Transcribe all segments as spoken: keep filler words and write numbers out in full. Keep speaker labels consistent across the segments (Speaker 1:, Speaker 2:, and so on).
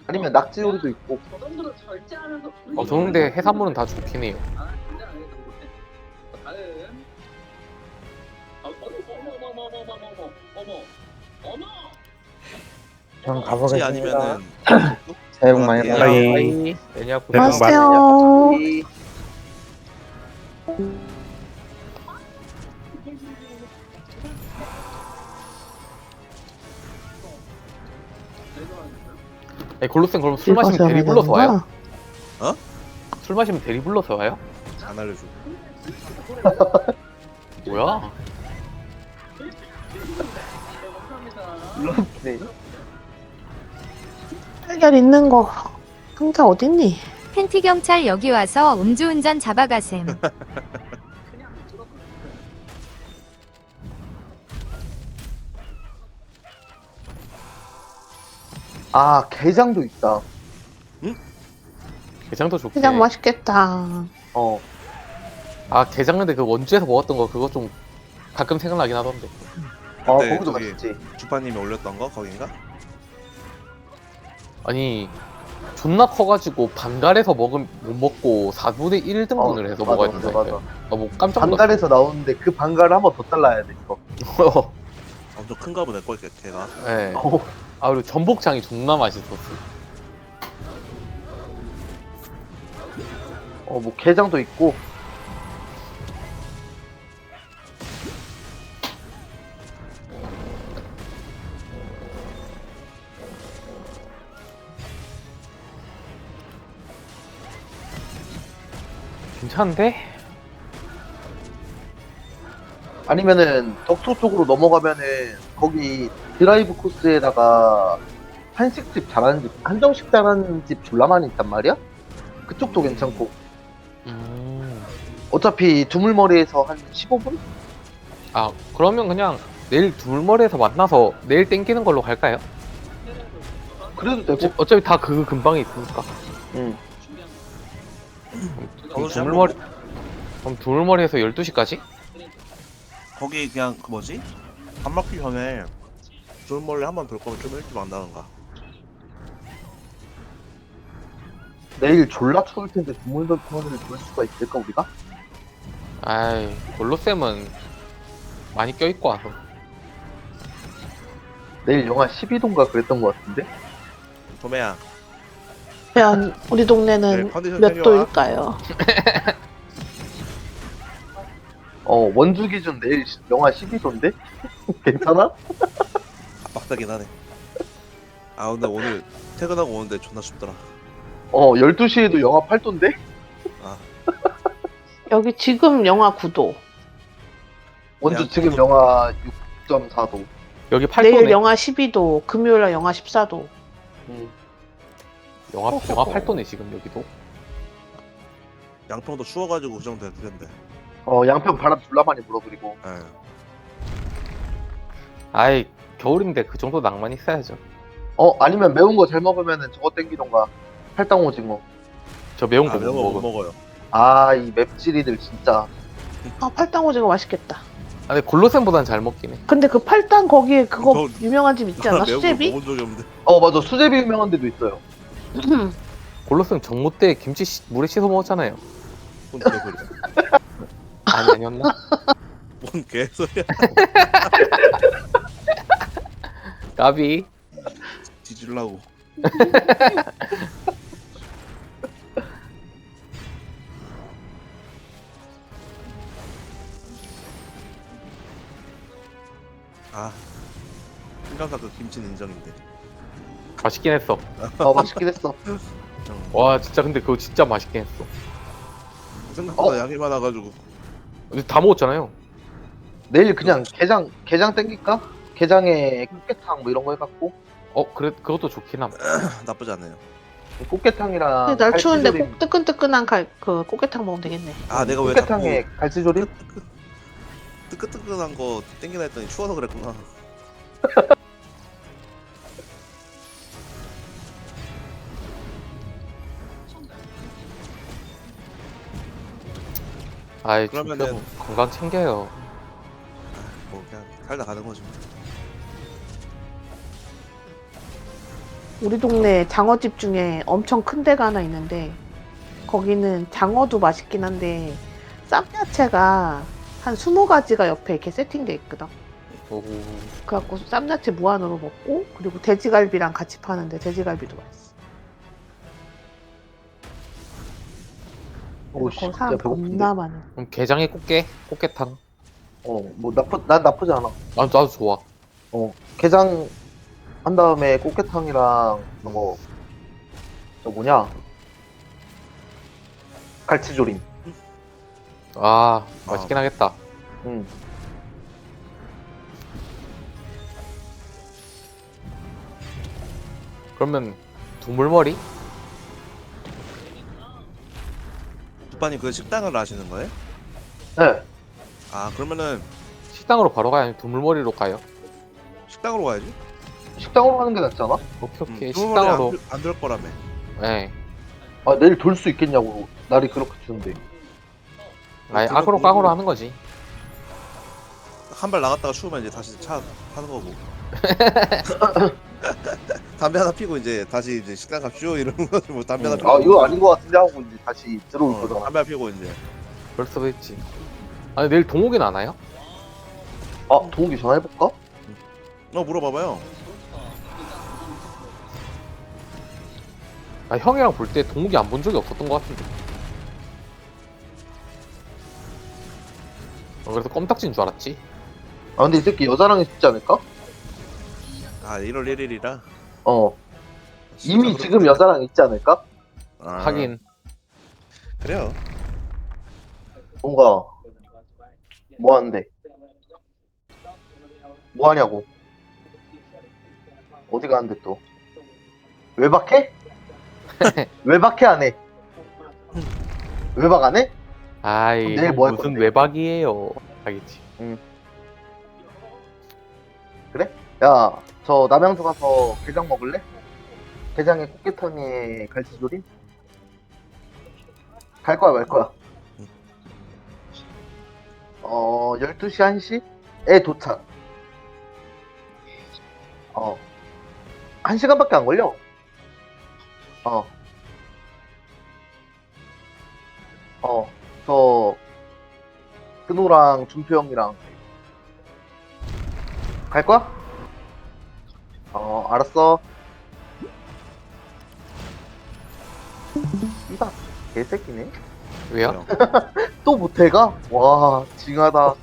Speaker 1: 아니면 낙지 요리도 있고.
Speaker 2: 어, 저는 근데 해산물은 다 좋긴 해요.
Speaker 1: 전
Speaker 3: 혹시
Speaker 1: 가보겠습니다.
Speaker 3: 아니면은
Speaker 1: 새해 복 많이
Speaker 3: 예.
Speaker 1: 받으세요.
Speaker 2: 빠이. 애니아쿠
Speaker 4: 네,
Speaker 5: 안녕하세요.
Speaker 2: 에 골로쌤 그럼 술 마시면 대리 불러서 와요?
Speaker 3: 어?
Speaker 2: 술 마시면 대리 불러서 와요?
Speaker 3: 안 알려줘.
Speaker 2: 뭐야?
Speaker 1: 네.
Speaker 5: 달걀 있는 거 상자 어딨니?
Speaker 6: 팬티 경찰 여기 와서 음주운전 잡아가셈.
Speaker 1: 아, 게장도 있다.
Speaker 2: 게장도 좋긴
Speaker 5: 그냥
Speaker 2: 해.
Speaker 5: 맛있겠다.
Speaker 1: 어.
Speaker 2: 아 게장 근데 그 원주에서 먹었던 거 그거 좀 가끔 생각나긴 하던데.
Speaker 1: 아,
Speaker 3: 그때
Speaker 1: 거기도
Speaker 3: 저기
Speaker 1: 맛있지.
Speaker 3: 주파님이 올렸던 거 거긴가?
Speaker 2: 아니 존나 커가지고 반갈에서 먹은 못 먹고 사분의 일 등분을
Speaker 1: 어,
Speaker 2: 해서
Speaker 1: 맞아,
Speaker 2: 먹어야
Speaker 1: 맞아,
Speaker 2: 된다니까요.
Speaker 1: 맞아.
Speaker 2: 아뭐 깜짝 놀랐어.
Speaker 1: 반갈에서 나오는데 그 반갈을 한 번 더 잘라야 돼, 이거.
Speaker 3: 엄청 큰가 보네 꼴 걔가.
Speaker 2: 네.
Speaker 1: 어.
Speaker 2: 아 그리고 전복장이 존나 맛있었어.
Speaker 1: 어, 뭐 게장도 있고.
Speaker 2: 괜찮은데?
Speaker 1: 아니면은 덕소 쪽으로 넘어가면은 거기 드라이브 코스에다가 한식집 잘하는 집, 한정식 잘하는 집 졸라 많이 있단 말이야? 그쪽도 괜찮고.
Speaker 2: 음.
Speaker 1: 어차피 두물머리에서 한 십오 분?
Speaker 2: 아 그러면 그냥 내일 두물머리에서 만나서 내일 땡기는 걸로 갈까요?
Speaker 1: 그래도 되고.
Speaker 2: 어, 어차피 다 그 근방에 있으니까.
Speaker 1: 응.
Speaker 2: 그럼 두물머리 그럼 두물머리에서 열두 시까지?
Speaker 3: 거기 그냥 그 뭐지? 밥 먹기 전에 둘몰래 한 번 돌 거면 좀 일찍 만나는가?
Speaker 1: 내일 졸라 추울 텐데 두물머리를 볼 수가 있을까, 우리가?
Speaker 2: 아이 골로쌤은 많이 껴있고 와서.
Speaker 1: 내일 영하 십이 도인가 그랬던 것 같은데?
Speaker 3: 도매야.
Speaker 5: 과연 우리
Speaker 3: 네,
Speaker 5: 동네는
Speaker 3: 컨디션
Speaker 5: 몇
Speaker 3: 챙겨와.
Speaker 5: 도일까요?
Speaker 1: 어, 원주 기준 내일 시- 영하 십이 도인데? 괜찮아?
Speaker 3: 빡세긴 하네. 아 근데 오늘 퇴근하고 오는데 존나 춥더라.
Speaker 1: 어, 열두 시에도 영하 팔 도인데?
Speaker 3: 아
Speaker 5: 여기 지금 영하 구 도.
Speaker 1: 원주
Speaker 3: 야,
Speaker 1: 지금
Speaker 3: 그거-
Speaker 1: 영하 육 점 사 도.
Speaker 2: 여기 팔 도네.
Speaker 5: 내일 영하 십이 도, 금요일날 영하 십사 도.
Speaker 1: 음.
Speaker 2: 영하 영하 팔 도네 지금 여기도.
Speaker 3: 양평도 추워가지고 그 정도 될 텐데.
Speaker 1: 어, 양평 바람 졸라 많이 불어, 그리고.
Speaker 3: 예.
Speaker 2: 아이 겨울인데 그 정도 낭만 있어야죠.
Speaker 1: 어, 아니면 매운 거 잘 먹으면은 저거 땡기던가. 팔당 오징어.
Speaker 2: 저 매운
Speaker 3: 아
Speaker 2: 거
Speaker 3: 매운
Speaker 2: 못
Speaker 3: 거못
Speaker 2: 먹어.
Speaker 3: 먹어요.
Speaker 1: 아, 이 맵찔이들 진짜.
Speaker 5: 아, 팔당 오징어 맛있겠다.
Speaker 2: 아니 골로쌤보단 잘 먹긴 해.
Speaker 5: 근데 그 팔당 거기에 그거
Speaker 3: 저-
Speaker 5: 유명한 집 있지 않아?
Speaker 3: 매운 거
Speaker 5: 수제비?
Speaker 3: 먹은 적이 없는데.
Speaker 1: 어, 맞아. 수제비 유명한 데도 있어요.
Speaker 2: 골로쌤 정모 때 김치 시- 물에 씻어 먹었잖아요.
Speaker 3: 뭔 개소리야.
Speaker 2: 아니 아니었나?
Speaker 3: 뭔 개소리야.
Speaker 2: 까비.
Speaker 3: 뒤질라고. 아 신강사 그 김치는 인정인데.
Speaker 2: 맛있긴 했어.
Speaker 1: 어, 맛있긴 했어.
Speaker 3: 음,
Speaker 2: 와 진짜 근데 그거 진짜 맛있긴 했어.
Speaker 3: 생각보다
Speaker 1: 어?
Speaker 3: 양이 많아가지고.
Speaker 2: 근데 다 먹었잖아요.
Speaker 1: 내일 그냥 게장, 게장 땡길까? 게장에 꽃게탕 뭐 이런 거 해갖고.
Speaker 2: 어 그래 그것도 좋긴 함.
Speaker 3: 나쁘지 않네요.
Speaker 1: 꽃게탕이랑.
Speaker 5: 근데 날 추운데
Speaker 1: 갈치조림.
Speaker 5: 꼭 뜨끈뜨끈한 갈, 그 꽃게탕 먹으면 되겠네.
Speaker 3: 아 내가 왜
Speaker 1: 꽃게탕에
Speaker 3: 자꾸
Speaker 1: 갈치조림?
Speaker 3: 뜨끈뜨끈한 거 땡기나 했더니 추워서 그랬구나.
Speaker 2: 아이
Speaker 3: 그러면은-
Speaker 2: 그러면은 건강 챙겨요.
Speaker 3: 뭐 그냥 살다 가는 거지. 뭐.
Speaker 5: 우리 동네 장어집 중에 엄청 큰 데가 하나 있는데 거기는 장어도 맛있긴 한데 쌈야채가 한 스무 가지가 옆에 이렇게 세팅돼 있거든.
Speaker 2: 오,
Speaker 5: 그래갖고 쌈야채 무한으로 먹고 그리고 돼지갈비랑 같이 파는데 돼지갈비도 맛있어.
Speaker 1: 오씨
Speaker 5: 거기
Speaker 1: 진짜
Speaker 5: 사람
Speaker 1: 배고픈데.
Speaker 5: 겁나 많아.
Speaker 2: 그럼 게장에 꽃게? 꽃게탕.
Speaker 1: 어뭐 나쁘 난 나쁘지 않아.
Speaker 2: 난 나도 좋아.
Speaker 1: 어 게장 한 다음에 꽃게탕이랑 뭐 저 뭐냐 갈치조림.
Speaker 2: 아, 맛있긴 하겠다.
Speaker 1: 응.
Speaker 2: 그러면 두물머리?
Speaker 3: 두빠님 그 식당을 아시는 거예요?
Speaker 1: 네.
Speaker 3: 아 그러면은
Speaker 2: 식당으로 바로 가요? 아니면 두물머리로 가요?
Speaker 3: 식당으로 가야지.
Speaker 1: 식당으로 가는 게 낫지 않아?
Speaker 2: 오케이 오케이
Speaker 3: 음,
Speaker 2: 식당으로.
Speaker 3: 안될 거라며.
Speaker 2: 네.
Speaker 1: 아 내일 돌 수 있겠냐고 날이 그렇게 추운데.
Speaker 2: 아예
Speaker 3: 그거
Speaker 2: 악으로
Speaker 3: 그거
Speaker 2: 깡으로 하는 거지.
Speaker 3: 한 발 나갔다가 추우면 이제 다시 차 타는 거고. 담배 하나 피고 이제 다시 이제 식당 갑시오 이러는 거지 뭐 담배 하나
Speaker 1: 음,
Speaker 3: 피고.
Speaker 1: 아 이거 아닌 것 같은데 하고 이제 다시 들어올
Speaker 3: 어,
Speaker 1: 거잖아.
Speaker 3: 담배 하나 피고 이제.
Speaker 2: 그럴 수도 있지. 아니 내일 동욱이는 안 와요?
Speaker 1: 아 동욱이 전화해볼까?
Speaker 3: 어 물어봐봐요.
Speaker 2: 아 형이랑 볼 때 동욱이 안 본 적이 없었던 것 같은데. 어, 그래서 껌딱지인 줄 알았지.
Speaker 1: 아 근데 이 새끼 여자랑 있지 않을까?
Speaker 3: 아 일월 일일이라.
Speaker 1: 어 이미 지금 여자랑 있지 않을까?
Speaker 3: 아,
Speaker 2: 하긴
Speaker 3: 그래요.
Speaker 1: 뭔가 뭐 하는데? 뭐 하냐고? 어디 가는데 또? 외박해? 외박해 안 해? 외박 안 해?
Speaker 2: 아이
Speaker 1: 내일
Speaker 2: 형
Speaker 1: 뭐할
Speaker 2: 무슨
Speaker 1: 건데?
Speaker 2: 외박이에요. 하겠지.
Speaker 1: 야, 저 남양주 가서 게장 먹을래? 게장에 꽃게탕에 갈치조림? 갈 거야 말 거야? 어, 열두 시 한 시에 도착. 어, 한 시간밖에 안 걸려. 어, 어, 저 근호랑 준표 형이랑 갈 거야? 어, 알았어. 이봐, 개새끼네.
Speaker 2: 왜요?
Speaker 1: 또 모텔가? 와, 징하다.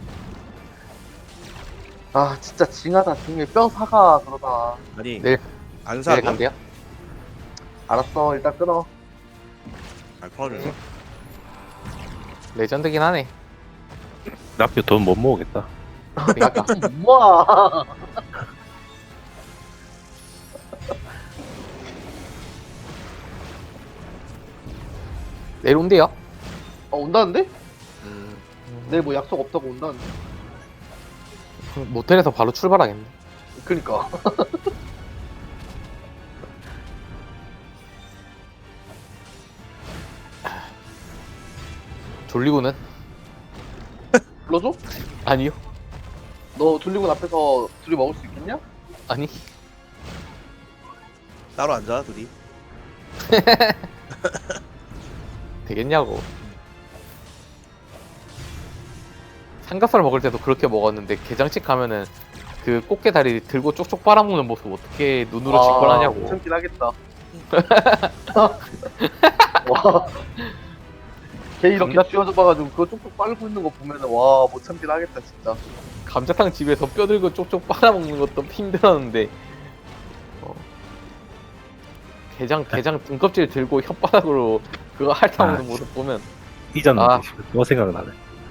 Speaker 1: 아, 진짜 징하다. 등에 뼈 사가, 그러다.
Speaker 3: 아니
Speaker 2: 내일
Speaker 3: 안
Speaker 2: 내일
Speaker 3: 사고.
Speaker 2: 간대요?
Speaker 1: 알았어, 일단 끊어.
Speaker 3: 아 풀어줘.
Speaker 2: 레전드긴 하네.
Speaker 4: 납교 돈 못 모으겠다.
Speaker 2: 그러니까
Speaker 1: 우와.
Speaker 2: 내일 온대요.
Speaker 1: 어, 온다는데?
Speaker 3: 음.
Speaker 1: 내일 뭐 약속 없다고 온다는데?
Speaker 2: 모텔에서 바로 출발하겠네.
Speaker 1: 그니까.
Speaker 2: 졸리고는?
Speaker 1: 불러줘?
Speaker 2: 아니요.
Speaker 1: 너 둘리군 앞에서 둘이 먹을 수 있겠냐?
Speaker 2: 아니.
Speaker 3: 따로 앉아 둘이.
Speaker 2: 되겠냐고. 삼겹살 먹을 때도 그렇게 먹었는데 게장집 가면은 그 꽃게 다리 들고 쪽쪽 빨아먹는 모습 어떻게 눈으로 직관하냐고.
Speaker 1: 참긴 하겠다. 와. 걔 이렇게
Speaker 2: 감자-
Speaker 1: 쥐어져 봐가지고 그거 쪽쪽 빨고 있는 거 보면은 와, 못 참긴 하겠다, 진짜.
Speaker 2: 감자탕 집에서 뼈 들고 쪽쪽 빨아먹는 것도 힘들었는데 어. 게장 게장 등껍질 들고 혓바닥으로 그거 핥아먹는
Speaker 4: 아,
Speaker 2: 모습 보면
Speaker 4: 이전
Speaker 2: 아.
Speaker 4: 또 생각나네.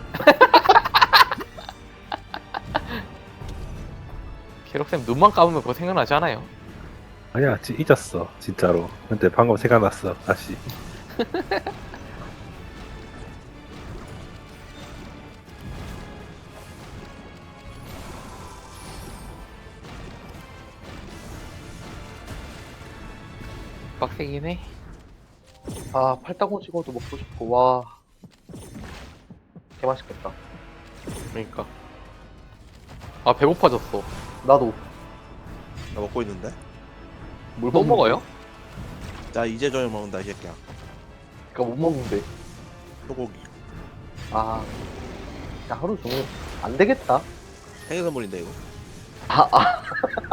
Speaker 2: 캐럿쌤 눈만 감으면 그거 생각나지 않아요?
Speaker 4: 아니야, 지, 잊었어 진짜로. 근데 방금 생각났어 다시.
Speaker 2: 빡세긴 해.
Speaker 1: 아, 팔딱오징어도 먹고 싶고, 와. 개 맛있겠다.
Speaker 2: 그러니까 아 배고파졌어.
Speaker 1: 나도.
Speaker 3: 나 먹고 있는데.
Speaker 1: 뭘
Speaker 2: 또
Speaker 1: 먹는데?
Speaker 2: 먹어요?
Speaker 3: 나 이제 저녁 먹는다 이 새끼야.
Speaker 1: 그니까 못 먹는데.
Speaker 3: 소고기.
Speaker 1: 아, 야, 하루 종일 안 되겠다.
Speaker 3: 생일 선물인데 이거.
Speaker 1: 아, 아,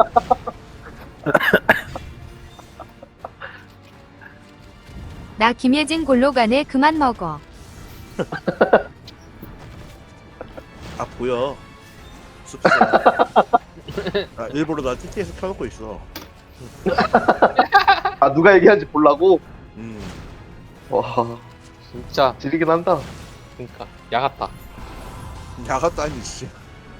Speaker 6: 나 김예진 골로 가네 그만 먹어.
Speaker 3: 아 보여. 숲새. 아, 일부러 나 티티에서 켜놓고 있어.
Speaker 1: 아, 누가 얘기하는지 보려고?
Speaker 3: 음.
Speaker 1: 와,
Speaker 2: 진짜
Speaker 1: 지리긴 한다.
Speaker 2: 그러니까 야 같다.
Speaker 3: 야갔다 아니 진짜.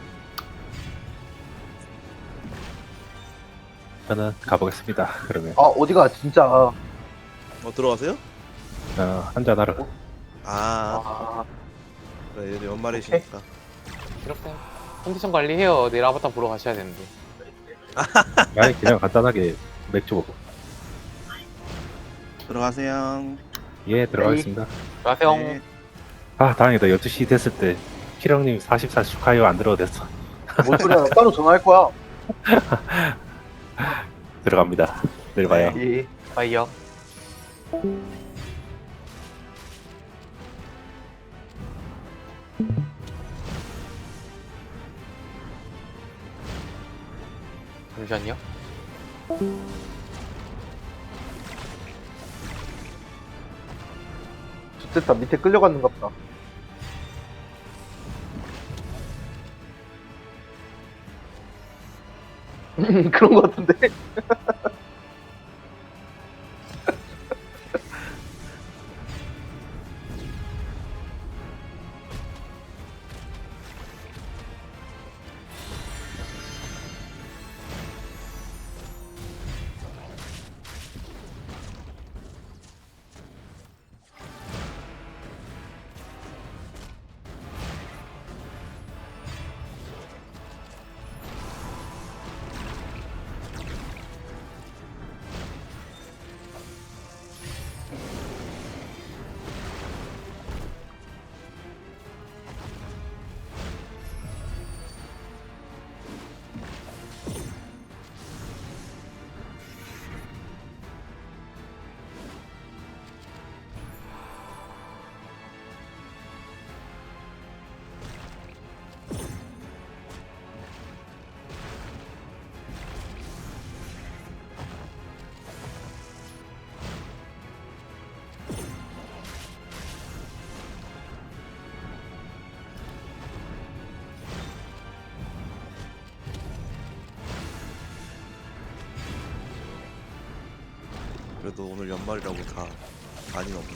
Speaker 4: 저는 가보겠습니다. 그러면
Speaker 1: 아, 어디가, 진짜.
Speaker 3: 어 들어가세요?
Speaker 4: 어, 한잔 하러.
Speaker 3: 아,
Speaker 1: 아,
Speaker 3: 그래 얘들 연말이시니까.
Speaker 2: 이렇게 컨디션 관리해요. 내일 아바타 보러 가셔야 되는데.
Speaker 4: 아니 그냥 간단하게 맥주 먹고.
Speaker 3: 들어가세요.
Speaker 4: 예, 들어가겠습니다.
Speaker 2: 안녕하세요.
Speaker 3: 네.
Speaker 4: 아, 다행이다. 열두 시 됐을 때 키령님 사십사 축하해요 안 들어도 됐어.
Speaker 1: 뭔 소리야. 나 따로 전화할 거야.
Speaker 4: 들어갑니다. 내일 봐요.
Speaker 1: 예.
Speaker 2: 바이요. 잠시만요.
Speaker 1: 좋겠다. 밑에 끌려갔는가 보다. 그런 거 같은데.
Speaker 3: 그래도 오늘 연말이라고 다 많이 없네.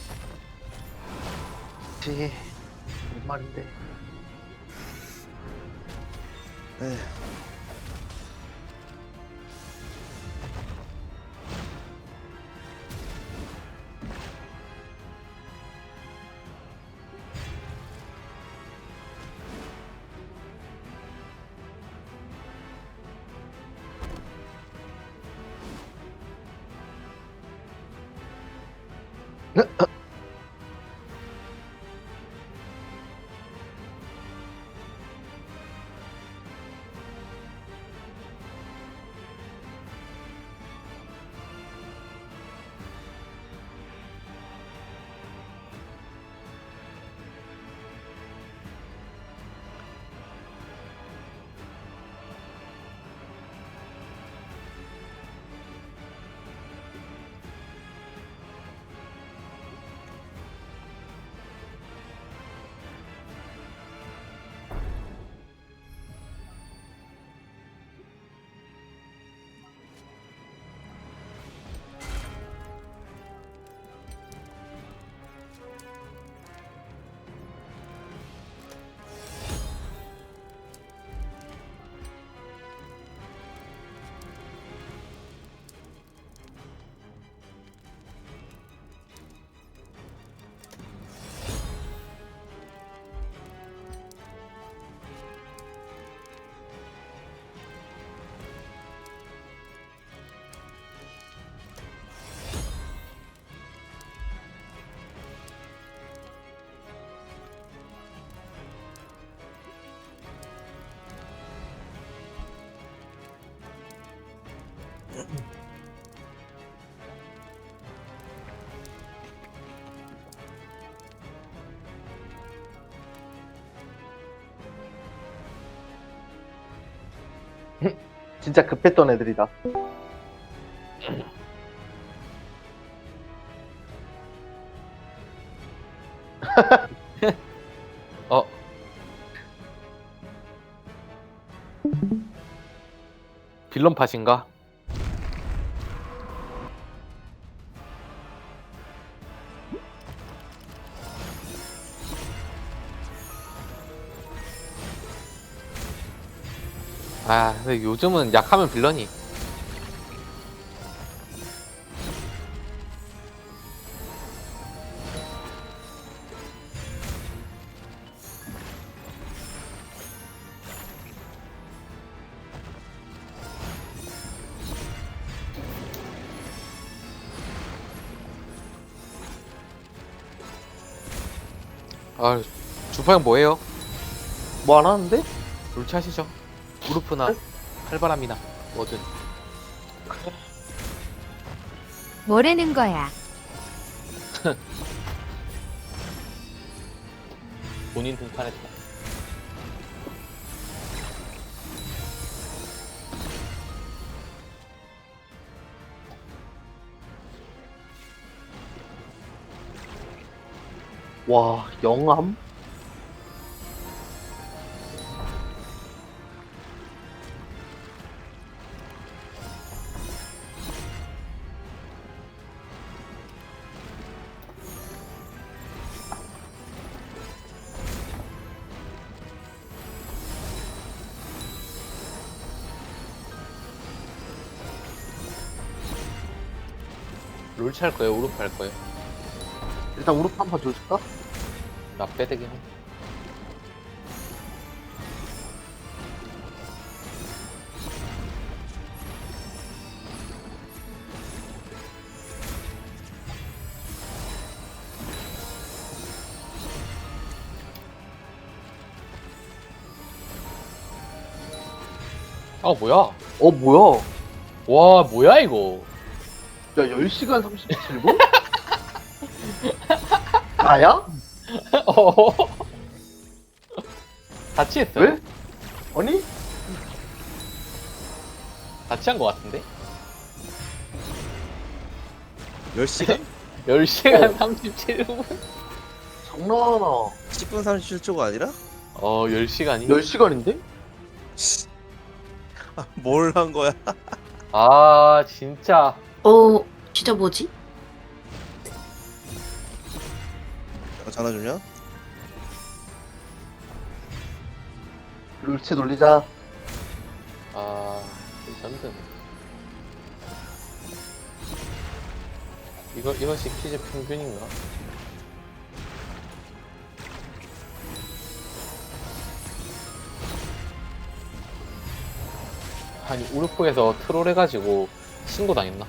Speaker 1: 그치. 뭔 말인데.
Speaker 3: 에휴.
Speaker 1: 진짜 급했던 애들이다.
Speaker 2: 어. 빌런 팟인가? 아, 근데 요즘은 약하면 빌런이. 아, 주파형 뭐예요?
Speaker 1: 뭐 안 하는데?
Speaker 2: 롤치하시죠. 우르프나 칼바람이나 뭐든.
Speaker 6: 뭐라는 거야?
Speaker 2: 본인 등판했다.
Speaker 1: 와, 영암?
Speaker 2: 롤치 할 거예요? 우르프 할 거예요?
Speaker 1: 일단 우르프 한판 줘줄까?
Speaker 2: 나 빼대기 해. 아 뭐야?
Speaker 1: 어, 뭐야?
Speaker 2: 와 뭐야 이거?
Speaker 1: 야, 열 시간 삼십칠 분? 나야?
Speaker 2: 어? 같이 했어요?
Speaker 1: 왜? 아니?
Speaker 2: 같이 한 거 같은데?
Speaker 3: 열 시간?
Speaker 2: 열 시간
Speaker 1: 어.
Speaker 2: 삼십칠 분?
Speaker 1: 장난하나.
Speaker 3: 십 분 삼십칠 초가 아니라?
Speaker 2: 어 열 시간이?
Speaker 1: 열 시간인데?
Speaker 3: 뭘 한 거야?
Speaker 2: 아 진짜
Speaker 7: 어, 진짜 뭐지?
Speaker 3: 어, 전화 주면?
Speaker 1: 룰치 돌리자.
Speaker 2: 아 레전드네. 이거 이것이 퀴즈 평균인가? 아니 우르프에서 트롤 해가지고 신고 당했나?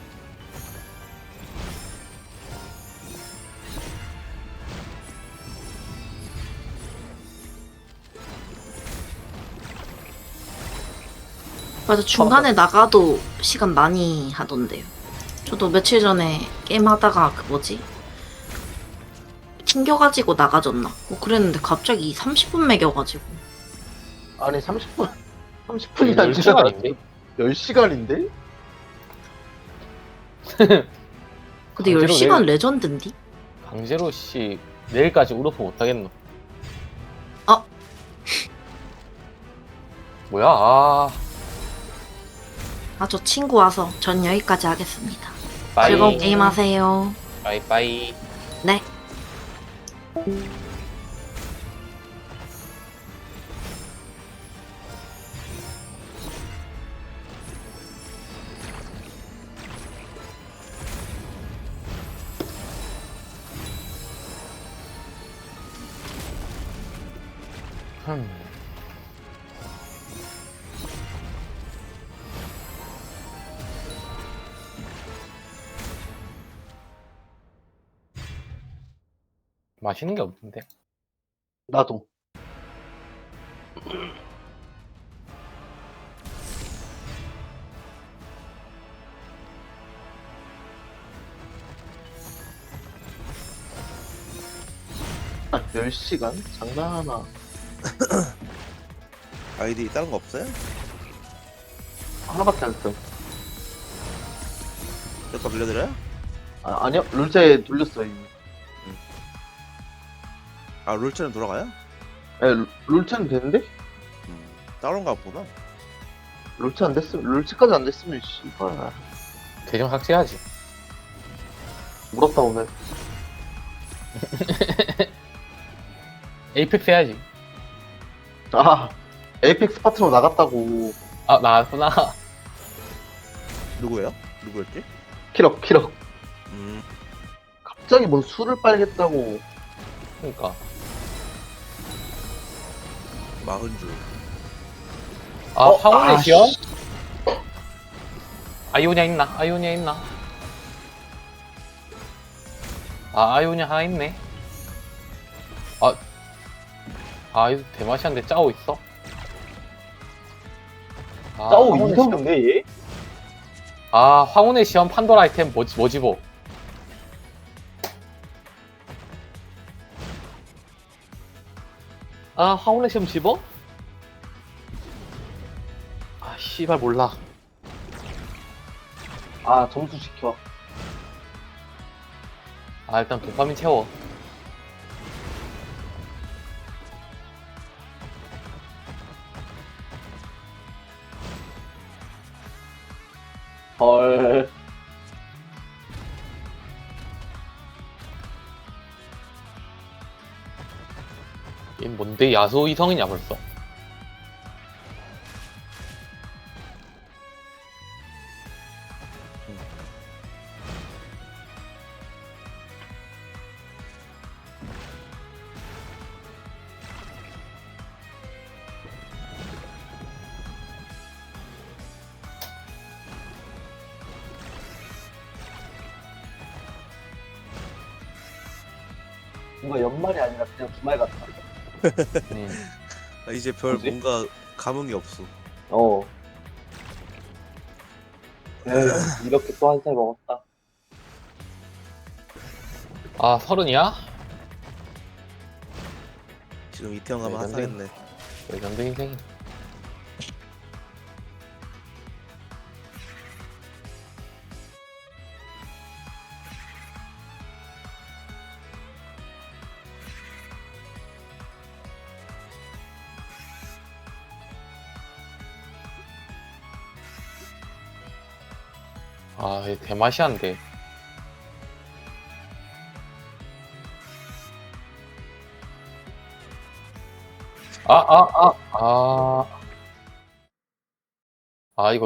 Speaker 7: 맞아, 중간에 나가도 시간 많이 하던데요. 저도 며칠 전에 게임 하다가 그 뭐지? 튕겨가지고 나가졌나? 뭐 그랬는데 갑자기 삼십 분 매겨가지고.
Speaker 1: 아니, 삼십 분. 삼십 분이 아니라
Speaker 2: 열 시간인데?
Speaker 1: 열 시간인데?
Speaker 7: 근데
Speaker 2: 강제로
Speaker 7: 열 시간
Speaker 2: 내일-
Speaker 7: 레전드인디?
Speaker 2: 강제로 씨 내일까지 우르프 못하겠노?
Speaker 7: 어?
Speaker 2: 뭐야? 아,
Speaker 7: 아, 저 친구 와서 전 여기까지 하겠습니다.
Speaker 2: 빠이
Speaker 7: 즐거운 게임 하세요.
Speaker 2: 빠이 빠이.
Speaker 7: 네.
Speaker 2: 흠. 맛있는 게 없는데.
Speaker 1: 나도. 아, 열 시간? 장난하나.
Speaker 3: 아이디 다른 거 없어요?
Speaker 1: 하나밖에 안 씀.
Speaker 3: 여기다 빌려드려요?
Speaker 1: 아, 아니요, 룰체에 돌렸어요, 이미.
Speaker 3: 아 룰체는 돌아가요?
Speaker 1: 예, 룰- 룰체는 되는데?
Speaker 3: 음 따로인가 보다.
Speaker 1: 룰체 안 됐으면, 룰체까지 안 됐으면, 씨발.
Speaker 2: 계정 삭제해야지.
Speaker 1: 물었다, 오늘.
Speaker 2: 에이펙스 해야지.
Speaker 1: 아, 에이펙스 파트로 나갔다고.
Speaker 2: 아 나왔구나.
Speaker 3: 누구예요? 누구였지?
Speaker 1: 키럭, 키럭.
Speaker 3: 음
Speaker 1: 갑자기 뭔 술을 빨겠다고.
Speaker 2: 그러니까.
Speaker 3: 마흔줄.
Speaker 2: 아
Speaker 1: 어,
Speaker 2: 황혼의
Speaker 1: 아,
Speaker 2: 시연?
Speaker 1: 씨.
Speaker 2: 아이오니아 있나? 아이오니아 있나? 아 아이오니아 하나 있네. 아, 아 이거 대마시안데 짜오 있어? 아,
Speaker 1: 짜오
Speaker 2: 황혼의
Speaker 1: 이성
Speaker 2: 시연.
Speaker 1: 없네, 얘?
Speaker 2: 아 황혼의 시연 판도라 아이템 뭐지 뭐지 뭐? 아 황혼의 시연 집어? 아 씨발 몰라.
Speaker 1: 아, 점수 시켜.
Speaker 2: 아 일단 도파민 채워.
Speaker 1: 헐.
Speaker 2: 얘 뭔데 야수 이성이냐 벌써?
Speaker 1: 뭔가 연말이 아니라 그냥 주말 같다.
Speaker 2: 음.
Speaker 3: 아, 이제 별
Speaker 1: 뭐지?
Speaker 3: 뭔가 감흥이 없어.
Speaker 1: 어. 에휴, 이렇게 또 한 살 먹었다.
Speaker 2: 아 서른이야?
Speaker 3: 지금 이태원 가면
Speaker 2: 네,
Speaker 3: 핫하겠네.
Speaker 2: 레전드 인생. 아, 얘 대마시안데. 아, 아, 아, 아. 아, 이거